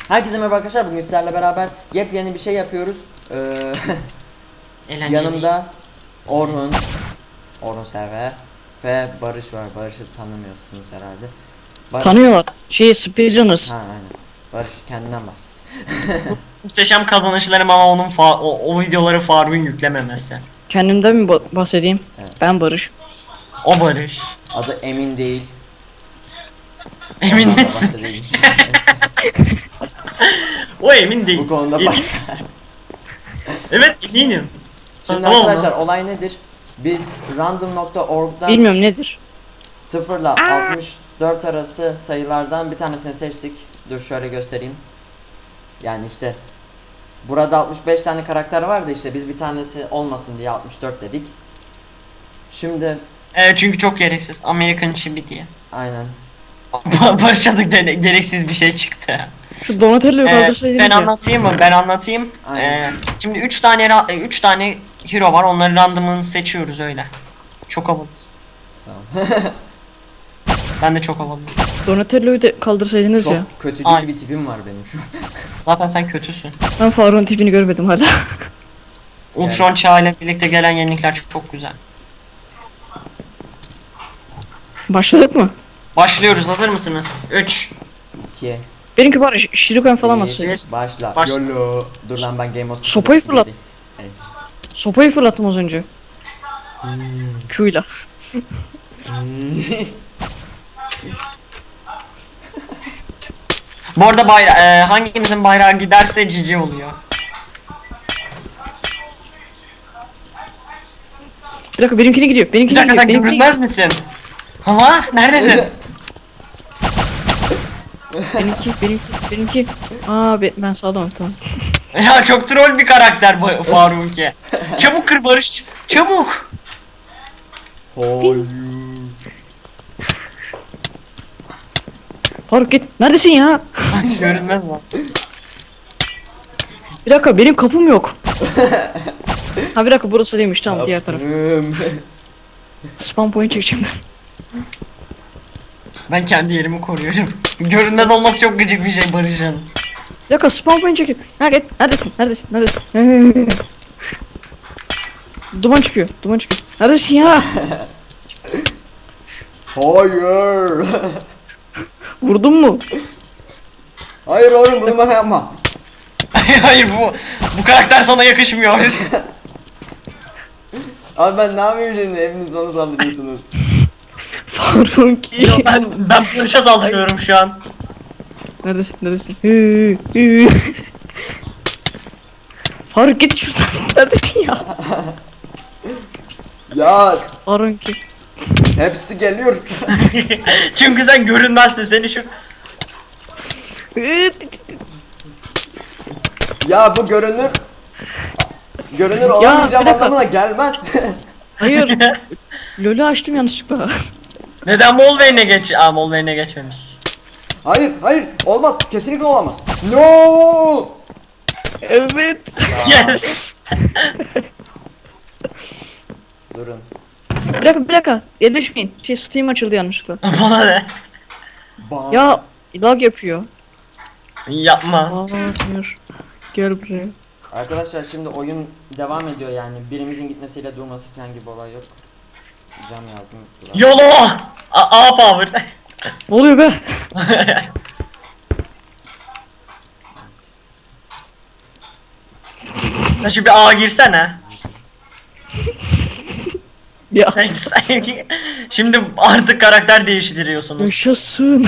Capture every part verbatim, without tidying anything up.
Herkese merhaba arkadaşlar. Bugün sizlerle beraber yepyeni bir şey yapıyoruz. Ee, yanımda Orhun, Orhun Server ve Barış var. Barış'ı tanımıyorsunuz herhalde. Barış... Tanıyorlar. Şey, Speedrunners. Ha aynen. Barış kendinden bahset. Muhteşem kazanışlarım ama onun fa o, o videoları Faruk'un yüklememesi. Kendimden mi ba- bahsedeyim? Evet. Ben Barış. O Barış. Adı Emin değil. Emin Ondan da misin? bahsedeyim. O emin değil. Bu konuda Emin bak. misin? Evet eminim. Şimdi Tamam arkadaşlar mı? olay nedir? Biz random nokta org'dan Bilmiyorum nedir. sıfır ile altmış dört arası sayılardan bir tanesini seçtik. Dur şöyle göstereyim. Yani işte burada altmış beş tane karakter vardı, işte biz bir tanesi olmasın diye altmış dört dedik. Şimdi Evet çünkü çok gereksiz. Amerikan çibi diye. aynen. Barış'a da gere- gereksiz bir şey çıktı. Şu Donatello'yu Ee, kaldırsaydınız ben ya. anlatayım mı? Ben anlatayım. Aynen. Ee, şimdi üç tane ra- üç tane hero var. Onları random'ını seçiyoruz öyle. Çok havalısın. Sağ ol. Ben de çok havalıyım. Donatello'yu da kaldırsaydınız Çok ya. kötücül Aynen. bir tipim var benim şu an. Zaten sen kötüsün. Ben Faruk'un tipini görmedim hala. Ultron çağı ile birlikte gelen yenilikler çok, çok güzel. Başladık mı? Başlıyoruz. Hazır mısınız? üç İki. Benimki Barış. Shuriken falan bir, basaydı. Başla. Başla. Yolo. Dur lan ben Game of Sopayı fırlat. Evet. Sopayı fırlattım az önce. Q'yla. Bu arada bayra e, hangimizin bayrağı giderse cici oluyor. Bir dakika benimkine gidiyor. Bir Benimkine dakika gidiyor. sen Benimkine görünmez misin? Hala neredesin? Benimki, benimki, benimki. Aa be, ben sağlamım tamam. Ya çok troll bir karakter bu Faruk'e. Çabuk kır Barış. Çabuk. Hayır. Faruk git. Neredesin ya? Görünmez mi? Bir dakika benim kapım yok. Ha bir dakika burası değilmiş tamam diğer taraf. Kapım. Spam point çekeceğim ben. Ben kendi yerimi koruyorum. Görünmez olması çok gıcık bir şey Barış'ın. Bir dakika spam point çekeyim. Ha git. Neredesin? Neredesin? Neredesin? Duman çıkıyor. Duman çıkıyor. Neredesin ya? Hayır. Vurdun mu? Hayır oğlum bunu bana yapma. Hayır bu bu karakter sana yakışmıyor. Abi ben ne yapayım şimdi, hepiniz bana saldırıyorsunuz. Faruk. Yo, ben ben Barış'a saldırıyorum şu an. Neredesin? Neredesin? Hı, hı. Faruk git şuradan. Neredesin ya? Ya Faruk ki. hepsi geliyor. Çünkü sen görünmezsin seni şu. Ya bu görünür. Görünür Ya, olamayacağım bir dakika. anlamına gelmez. Hayır. LoL'ü açtım yanlışlıkla. Neden Molvane'e geç? Aa Molvane'e geçmemiş. Hayır hayır olmaz, kesinlikle olamaz. No. Evet. Yes. Durun. Bir dakika bir dakika. Yerleşmeyin. Şey Steam açıldı yanlışlıkla. Bana ne? Ba Ya lag yapıyor. Yapma. Aa hayır. Gel buraya. Arkadaşlar şimdi oyun devam ediyor, yani birimizin gitmesiyle durması falan gibi olay yok. Cam yazdım. Dur. YOLO! A, A power. Ne oluyor be? Sen şu bir A girsene. Ya. Şimdi artık karakter değiştiriyorsunuz. Yaşasın.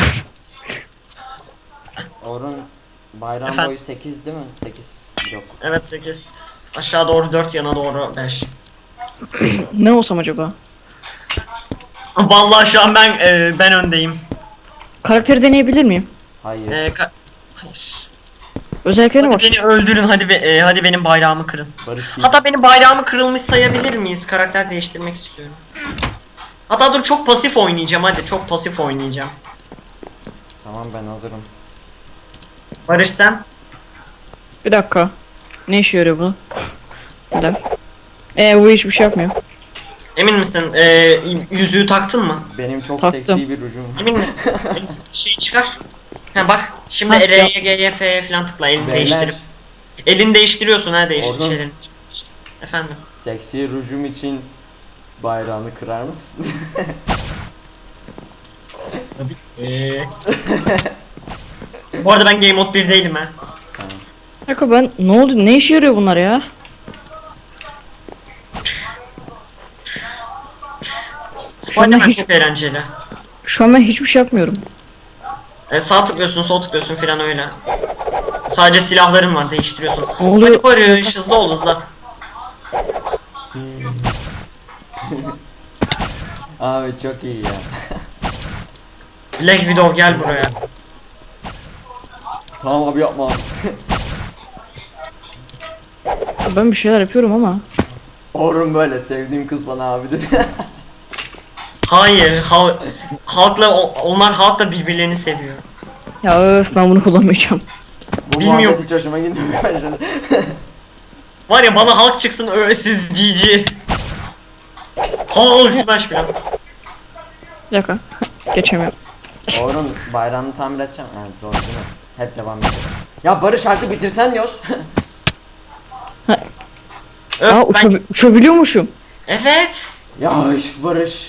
Orun bayram Efendim? boyu sekiz değil mi? sekiz yok. Evet sekiz. Aşağı doğru dört, yana doğru beş. Ne olsam acaba? Vallahi şu an ben e, ben öndeyim. Karakteri deneyebilir miyim? Hayır. E, ka- Hayır. Özelliklerine Hadi bak. beni öldürün, hadi be, e, hadi benim bayrağımı kırın. Barış değil. Hatta benim bayrağımı kırılmış sayabilir miyiz? Karakter değiştirmek istiyorum. Hatta dur çok pasif oynayacağım, hadi çok pasif oynayacağım. Tamam ben hazırım. Barış sen? Bir dakika. Ne işe yarıyor bu? Bir dakika. Eee bu hiçbir şey yapmıyor. Emin misin? E, yüzüğü taktın mı? Benim çok Taktım. seksi bir rujum var. Emin misin? Şey çıkar. Ha bak şimdi Ha, R'ye ya- G'ye F'ye falan tıkla elini Beyler. değiştirip. Elini değiştiriyorsun ha değiş Oğlum. şeylerin. Efendim. Seksi rujum için bayrağını kırar mısın? Tabii. Eee. Bu arada ben Game Mode bir değilim ha. Tamam. Bir dakika ben ne oldu? Ne işe yarıyor bunlar ya? Spider-Man hiç- çok eğlenceli. Şu an ben hiçbir şey yapmıyorum. E, sağ tıklıyorsun, sol tıklıyorsun filan öyle. Sadece silahların var, değiştiriyorsun. Ne oluyor? Hadi Barış, hızlı ol hızlı. Abi çok iyi ya. Black Widow gel buraya. Tamam abi yapma abi. Ben bir şeyler yapıyorum ama. Orun böyle sevdiğim kız bana abi dedi. Hayır, hal halkla o- onlar halkla birbirlerini seviyor. Ya öf ben bunu kullanmayacağım. Bu Bilmiyorum. muhabbet hiç hoşuma gitmiyor başladı. Var ya bana halk çıksın öylesiz G G. Hulk smash filan. Bir dakika. Geçemiyorum. Orun bayrağını tamir edeceğim. Evet doğru değil mi? Hep devam ediyor. Ya Barış artık bitirsen diyoruz. Öf, Aa ben- uçabi- uçabiliyormuşum. Evet. Yavaş Barış.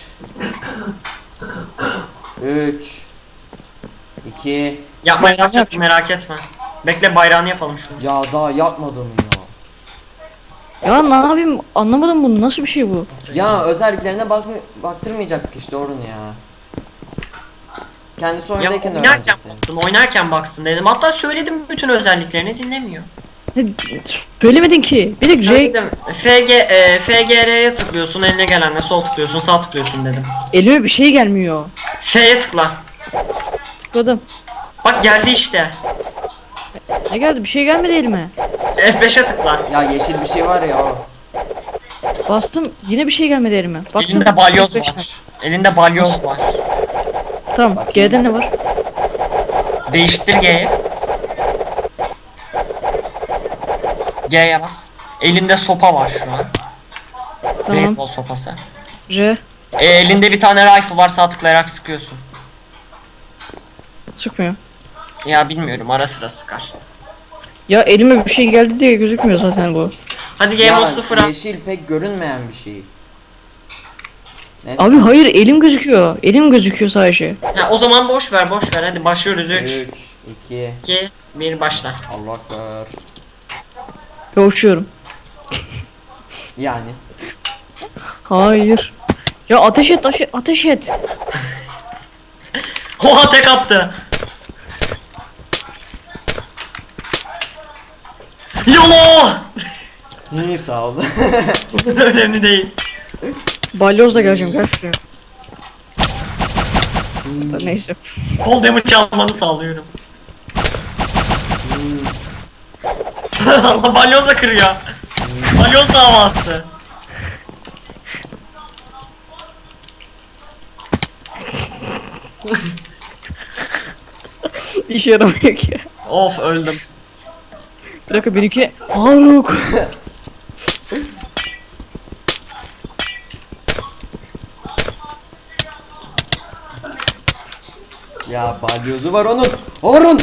üç iki Yapmaya Bayrağını başladım yapacağım. merak etme. Bekle bayrağını yapalım şunu. Ya daha yapmadım ya. Ya ne yapayım anlamadım bunu nasıl bir şey bu? Ya özelliklerine bak baktırmayacaktık işte Orun ya. Kendisi Ya oyundayken oynarken öğrenecekti. baksın, oynarken baksın dedim. Hatta söyledim bütün özelliklerini dinlemiyor. Ne, söylemedin ki. Bir de J Söyledim. F G, e, F G R'ye tıklıyorsun, eline gelenle sol tıklıyorsun, sağ tıklıyorsun dedim. elime bir şey gelmiyor. F'ye tıkla. Tıkladım. Bak geldi işte. Ne geldi? Bir şey gelmedi elime. F beşe tıkla. Ya yeşil bir şey var ya o. Bastım yine bir şey gelmedi elime. Baktım. Elinde balyoz F beşten. var. Elinde balyoz var. Tamam. Bakayım. G'de ne var? Değiştir G'ye. G'ye bas. Elinde sopa var şu an. Tamam. Beyzbol sopası. R. E, elinde bir tane rifle var, sağ tıklayarak sıkıyorsun. Çıkmıyor. Ya bilmiyorum, ara sıra sıkar. Ya elime bir şey geldi diye gözükmüyor zaten bu. Hadi Game Ya Mode sıfır al. yeşil pek görünmeyen bir şey. Neyse. Abi hayır elim gözüküyor. Elim gözüküyor sadece. Ha, o zaman boş ver, boş ver. Hadi başlıyoruz. üç, üç, iki, iki, bir başla. Allah ekber. Ve uçuyorum. Yani. Hayır. Ya ateş et ateş et. Ateş et. Oha tek attı. YOLO! İyi sağ ol. Önemli değil. Balyozla geleceğim gel şuraya. Neyse. Full damage almanı sağlıyorum. Allah balyozla kırıyor. Balyoz davası. İşe yaramıyor ki. Of öldüm. Bir dakika benimki. Faruk. Ya balyozu var onun. Orun.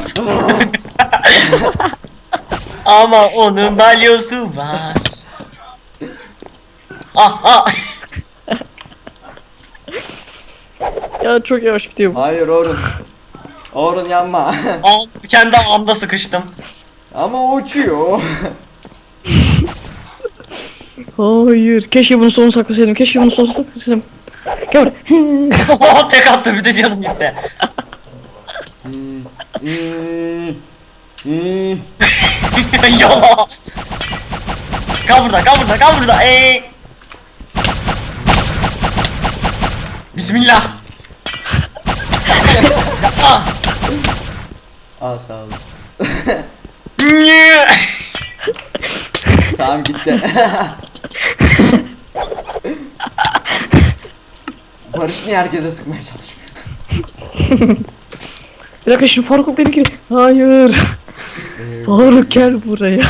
Ama onun balyozu var. Ah ah. Ya çok yavaş gidiyor bu. Hayır Orun. Orun yanma. Al, kendi ağımda sıkıştım. Ama o uçuyor. Hayır. Keşke bunu sonu saklasaydım. Keşke bunu sonu saklasaydım. Gel buraya. Oha tek attı, bütün canım gitti. Hmm, hmm, hmm. YOLO. Kal burada, kal burada, kal burada. Ey. Bismillah. Ah. Aa sağ ol. Nye. Tamam gitti. Barış niye herkese sıkmaya çalışıyor? Bir dakika şimdi Faruk benimki. Hayır. Faruk gel buraya.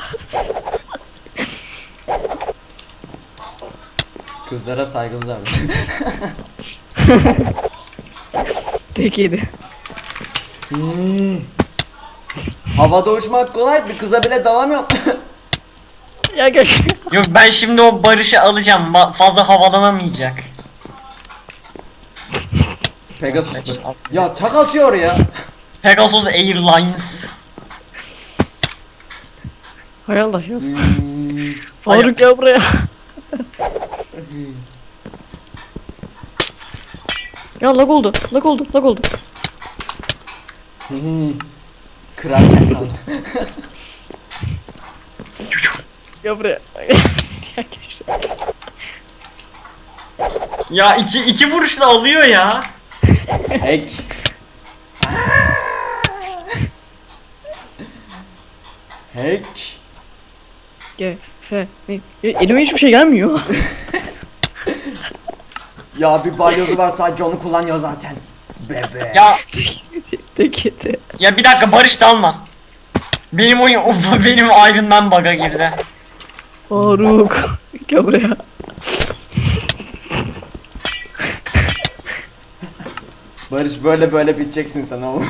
Kızlara saygılılar. Tek yedi. Hmm. Havada uçmak kolay, bir kıza bile dalamıyorum. Ya gel. Yok ben şimdi o Barış'ı alacağım. Ba- fazla havalanamayacak. Pegasus mu? Ya tak atıyor ya. Pegasus Airlines. Hay Allah ya. Hmm. Faruk gel buraya. Ya lag oldu. Lag oldu. Lag oldu. Hmm. Kırarken kaldı. Gel buraya. Ya gel şuraya. Ya iki, iki vuruşla alıyor ya. Hack. Hack. Gel. Fe. Ne? Ya elime hiçbir şey gelmiyor. Ya bir balyozu var, sadece onu kullanıyor zaten. Bebe. Ya Tek yedi. ya bir dakika Barış da alma. Benim oyun benim Iron Man bug'a girdi. Faruk. Gel buraya. Barış, böyle böyle biteceksin sen oğlum.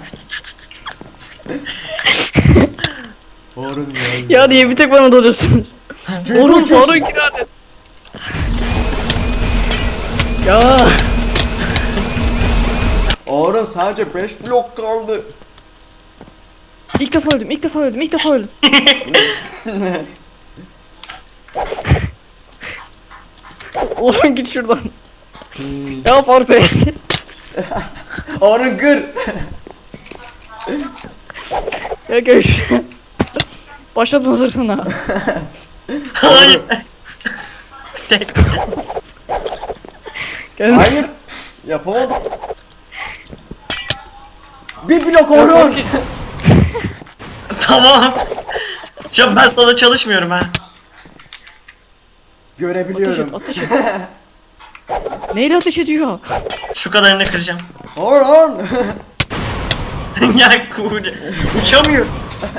Harun ya. Ya niye bir tek bana dalıyorsunuz? Çünkü Oğlum uçuyorsun. Faruk gir hadi. Ya. Harun, sadece beş blok kaldı. İlk defa öldüm. İlk defa öldüm. İlk defa öldüm. Oğlum git şuradan. Ya Faruk sen. Harun gır. Ya gel şuraya. Başlatma zırhına. Hayır. Tek. Gel. Hayır. Yapamadım. Bir blok Ya Harun. Faruk, Tamam. Şu an ben sana çalışmıyorum ha. Ateş Görebiliyorum. et, ateş et. Neyle ateş ediyor? Şu kadarını kıracağım. Harun. Ya kuğuca. Uçamıyor.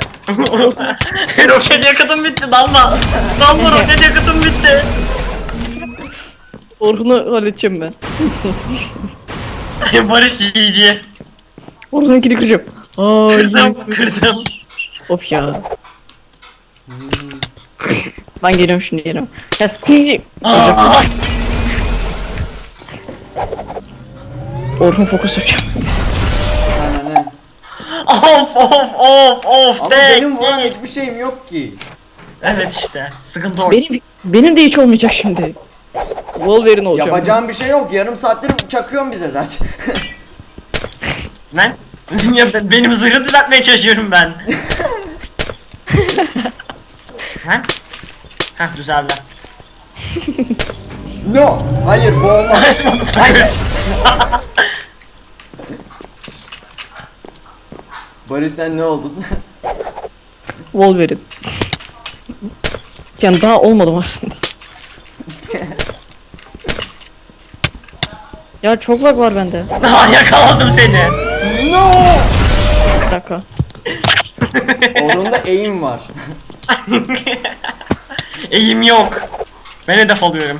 Roket yakıtım bitti dalma. Dalma roket yakıtım bitti. Orhun'u halledeceğim ben. Barış G G. Orhun'unkini kıracağım. Ay. Kırdım kırdım. Of ya. Ben geliyorum şimdi geliyorum. Gel. Aa! Orhun fokus yapacağım. Aynen, aynen. Of of of of Ama tek, benim vuran tek. hiçbir şeyim yok ki. Evet işte sıkıntı orada. Benim benim de hiç olmayacak şimdi. Wolverine olacağım. Yapacağım bir şey yok. Yarım saattir çakıyorsun bize zaten. Ben ya ben- benim zırhı düzeltmeye çalışıyorum ben. Ha? Heh düzeldi. No. Hayır, bu olmaz. Hayır. Barış, sen ne oldun? Wolverine. Yani daha olmadım aslında. Ya çok lag var bende. Daha yakaladım seni. No. Bir dakika. Orunda aim var. Eğim yok. Ben hedef alıyorum.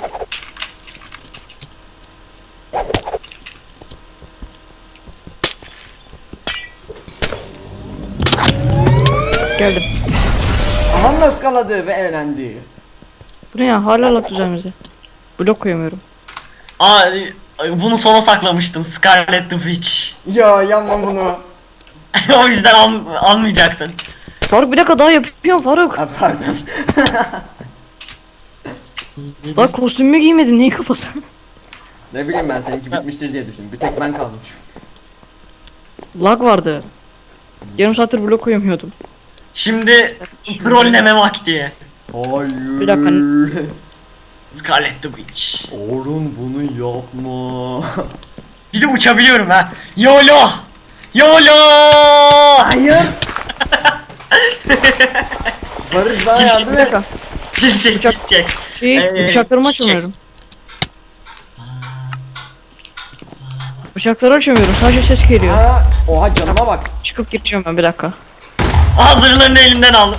Geldim. Aha da ıskaladı ve eğlendi. Bu ne ya? Hala lag düzenimize. Blok koyamıyorum. Aa bunu sona saklamıştım. Scarlet the Witch. Ya yapma bunu. O yüzden al, almayacaktın. Faruk bir dakika daha yapıyorum Faruk. Ha, pardon. Daha kostümümü giymedim. Neyin kafası? Ne bileyim, ben seninki bitmiştir diye düşündüm. Bir tek ben kaldım. Lag vardı. Yarım saattir blok koyamıyordum. Şimdi trolleme vakti. Hayır. Bir dakika. Scarlet the Witch. Orun, bunu yapma. Bir de uçabiliyorum ha. YOLO! YOLO! Hayır. Barış, bana Kim- yardım Bir et. dakika. Çek çek çek çek. Şey, Ee, bıçaklarımı çek. açamıyorum. Bıçakları açamıyorum. Sadece ses geliyor. Aa, oha, canıma bak. Çıkıp gireceğim ben bir dakika. Hazırlarını elinden aldım.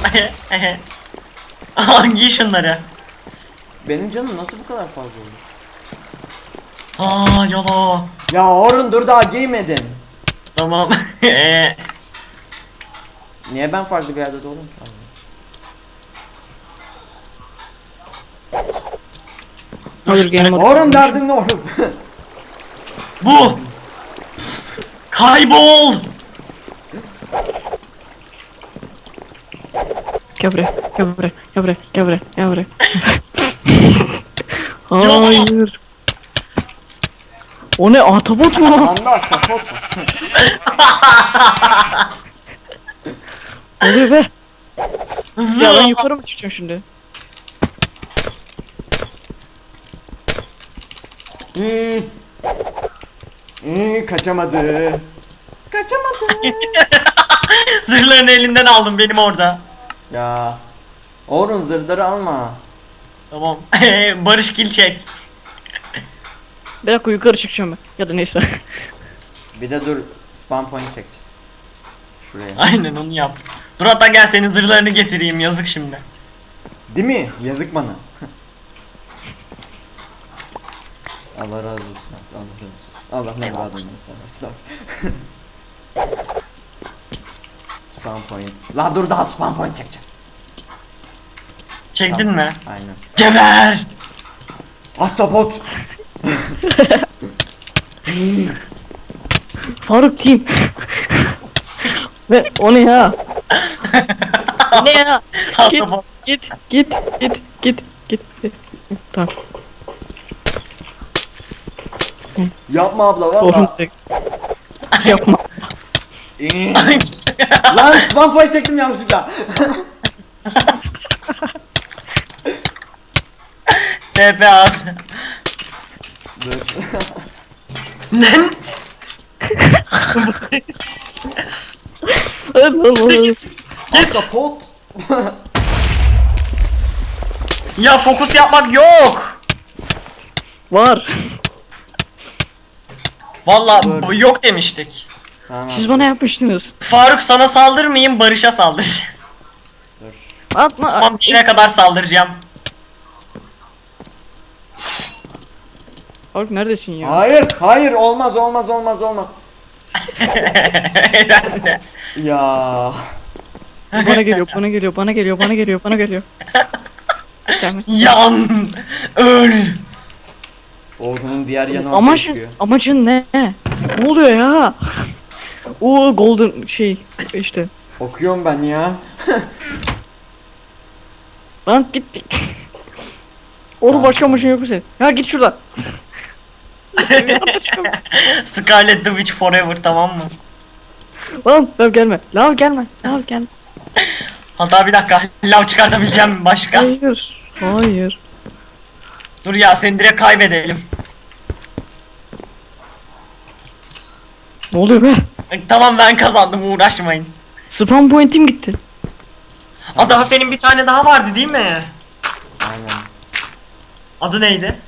Aa giy şunları. Benim canım nasıl bu kadar fazla oldu? Aa YOLO. Ya Orun, dur, daha giymedin. Tamam. Eee, Niye ben farklı bir yerde doğdum ki? Olur game mode. Orun derdin ne oğlum? Bu. Kaybol. Gel buraya, gel buraya, gel buraya, gel buraya, gel buraya. Hayır. O ne, ahtapot mu? Anda ahtapot. Ne oluyor be? Hızlı. Ya ben yukarı mı çıkacağım şimdi? Hmm. Hmm, kaçamadı. Kaçamadı. Zırhlarını elinden aldım benim orada. Ya. Orun zırhları alma. Tamam. Barış kill çek. Bir dakika yukarı çıkacağım ben. Ya da neyse. Bir de dur spam point çek. Şuraya. Aynen onu yap. Dur hatta gel senin zırhlarını getireyim, yazık şimdi. Değil mi? Yazık bana. Allah razı olsun. Allah razı olsun. Allah ne Eyvallah. adını seversin. Spam point. La dur daha spam point çekeceğim. Çektin mi? Aynen. Geber! Ahtapot. Faruk team. Ne? O ne ya? O ne ya? Git, Ahtapot. git, git, git, git, git. Tamam. Yapma abla Sorun valla. değil. Yapma. Lan spam point çektim yanlışlıkla. T P at. Dur. Lan! Ahtapot. Ya fokus yapmak yok. Var. Vallahi Dur. bu yok demiştik. Tamam. Siz bana yapmıştınız. Faruk sana saldırmayayım, Barış'a saldır. Dur. Atma. Tamam, bir yere kadar saldıracağım. Faruk neredesin ya? Hayır, hayır olmaz olmaz olmaz olmaz. Ben de. Ya. Bana geliyor, bana geliyor, bana geliyor, bana geliyor, bana geliyor. Tamam. Yan! Öl! Orhun'un diğer yanı ortaya Amacın, çıkıyor. amacın ne? Ne oluyor ya? O golden şey işte. Okuyorum ben ya. Lan git. Oğlum başka amacın yok mu senin? Ya git şuradan. Scarlet the Witch forever, tamam mı? Lan lav gelme. Lav gelme. Lav gelme. Hatta bir dakika, lav çıkartabileceğim mi başka? Hayır. Hayır. Dur ya, seni direkt kaybedelim. Ne oluyor be? Tamam, ben kazandım, uğraşmayın. Spam point'im gitti. Aa, daha senin bir tane daha vardı değil mi? Aynen. Adı neydi?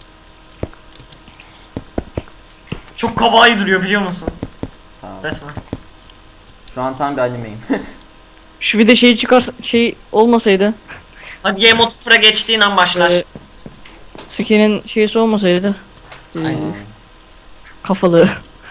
Çok kabayi duruyor biliyor musun? Sağ ol. Resmen. Şu an tam bir animeyim. Şu bir de şey çıkar şey olmasaydı. Hadi Game Mode sıfıra geçtiğin an başlar. Ee, Skin'in şeysi olmasaydı. Ee, Aynen. kafalı.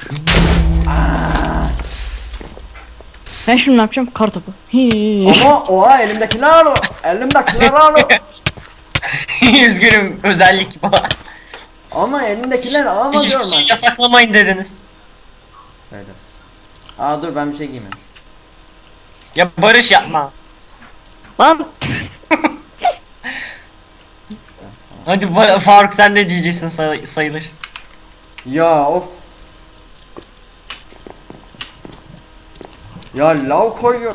Ben şimdi ne yapacağım? Kartopu. Hii. Ama oha elimdekiler o. Elimdekiler o. Üzgünüm, özellik falan. Ama elimdekiler alma Hiçbir diyorum şey ben. yasaklamayın dediniz. Öyle olsun. Aa dur ben bir şey giymem. Ya Barış yapma. Lan. Hadi Ba- Faruk, sen de cicisin say- sayılır. Ya of. Ya lav koyuyor.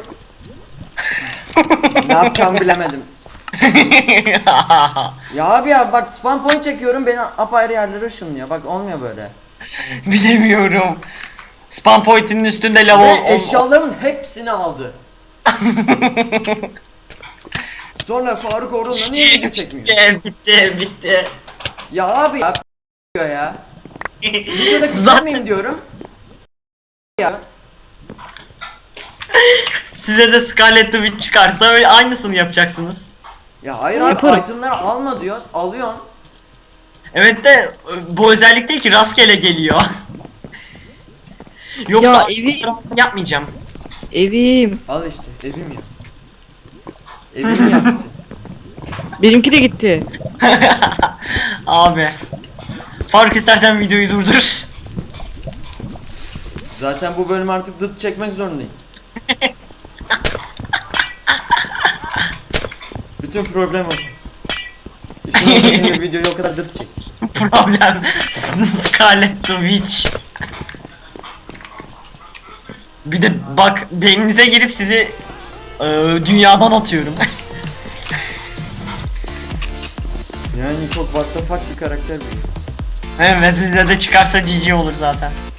Ne yapacağımı bilemedim. Ya abi ya bak spam point çekiyorum beni apayrı yerlere ışınlıyor. Bak olmuyor böyle. Bilemiyorum. Spam point'inin üstünde lav Ve ol- ol- eşyaların hepsini aldı. Sonra Faruk Orhun'la niye video çekmiyor? Bitti, bitti, bitti. Ya abi ya diyor ya. Videoda Zaten kullanmayayım diyorum. Ya. size de Scarlet the Witch çıkarsa öyle aynısını yapacaksınız. Ya hayır abi Yaparım. itemleri alma diyoruz. Alıyorsun. Evet de bu özellik değil ki, rastgele geliyor. Yoksa Ya arka evi- tarafını yapmayacağım. Evim. Al işte evim ya. Evim yaktı. Benimki de gitti. Abi. Faruk istersen videoyu durdur. Zaten bu bölüm artık dıt çekmek zorundayım. Bütün problem o. İşin olmasın videoyu o kadar dıt çek. Problem. Scarlet the Witch. Bir de bak beyninize girip sizi e, dünyadan atıyorum. Yani çok what the fuck bir karakter bu. Evet sizde de çıkarsa G G olur zaten.